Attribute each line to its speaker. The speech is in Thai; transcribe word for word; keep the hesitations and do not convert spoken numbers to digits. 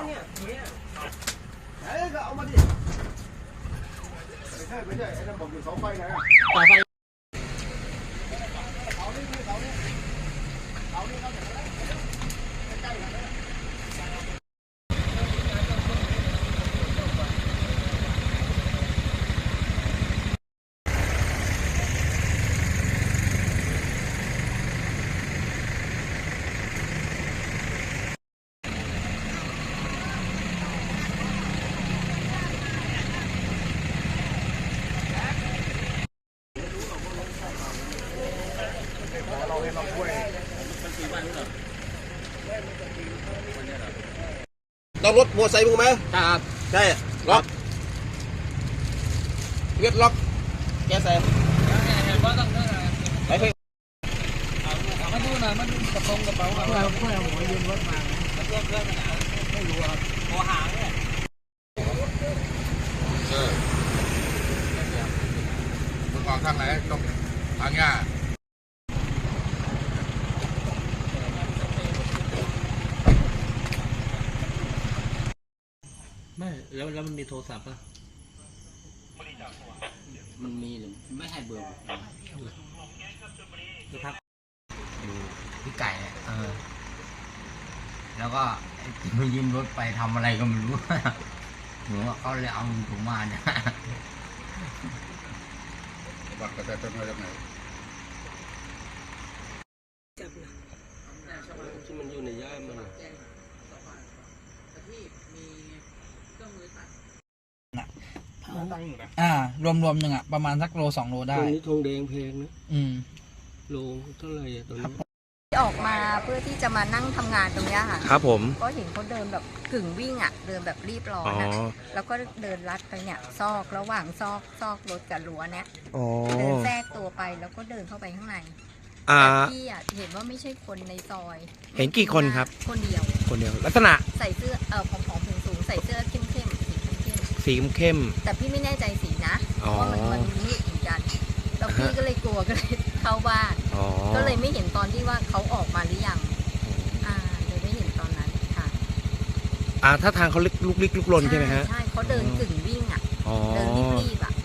Speaker 1: เนี่ยเนี่ยเฮ้ยก็เอามาดิไม่ใช่ไม่ใช่ไอ้นั่นบอกอยู่เสาไฟไงอ่ะเสาไฟเสานี่เสานี่เสานี่เขาจะใกล้ๆกันเราให้เราช่วยต้องรถมอเตอร์ไซค์มึงไหมครับใช่ล็อกเวียดล็อกแกใส่ไปเพ่งมาดูหน่อยมาดูกระโปรงกระเป๋าเพื่อเพื่อหัวยืนรถมาเพื่อเพื่อไม่รู้ครับหัวหางเนี่ยเออมึงออกทางไหนตรงทางหญ้า
Speaker 2: ไม่แล้วแล้วมันมีโทรศัพท์ป่ะ
Speaker 3: มันมีหรือไม่ให้เบอร์
Speaker 2: จะพัก
Speaker 3: อยู่พี่ไก่เนี่ยเออแล้วก็มายืมรถไปทำอะไรก็ไม่รู้หนูว่าเขาเลยเอาถุงมาเนี่ย
Speaker 1: บัตรกระจายเป็นมาจากไหน
Speaker 2: ที่มันอยู่ในย่ามมัน
Speaker 4: อ่ารวมรวมหนึ่งอ่ะประมาณสักโลสองโลได้
Speaker 2: ตัวนี้ทองแดงแพงนะ
Speaker 4: อืม
Speaker 2: โลเท่าไหร่อะตัวนี้
Speaker 5: ออกมาเพื่อที่จะมานั่งทำงานตรงนี้ค่ะ
Speaker 6: ครับผม
Speaker 5: ก็เห็นเขาเดินแบบกึ่งวิ่งอ่ะเดินแบบรีบร้อนอ่ะแล้วก็เดินลัดไปเนี่ยซอกระหว่างซอกซอกรถกับรั้วเนี่ยเดินแทรกตัวไปแล้วก็เดินเข้าไปข้างในแต่พี่อ่ะเห็นว่าไม่ใช่คนในซอย
Speaker 6: เห็นกี่คนครับ
Speaker 5: คนเดียว
Speaker 6: คนเดียวลักษณะ
Speaker 5: ใส่เสื้อเออผอมๆสูงๆใส่เสื้อเข้มๆสีเข้ม
Speaker 6: สีเข้ม
Speaker 5: ๆแต่พี่ไม่แน่ใจสีนะเพราะว่ามันมันมืดเหมือนกันแล้วพี่ก็เลยกลัวก็เลยเข้าบ้านก็เลยไม่เห็นตอนที่ว่าเขาออกมาหรือยังอ่าเลยไม่เห็นตอนนั้นค่ะ
Speaker 6: อ่าถ้าทางเขาลุกลิกลุกลนใช่ไหมฮะ
Speaker 5: ใช่เขาเดินกึ่งวิ่งอ่ะเดินรีบๆอ่ะ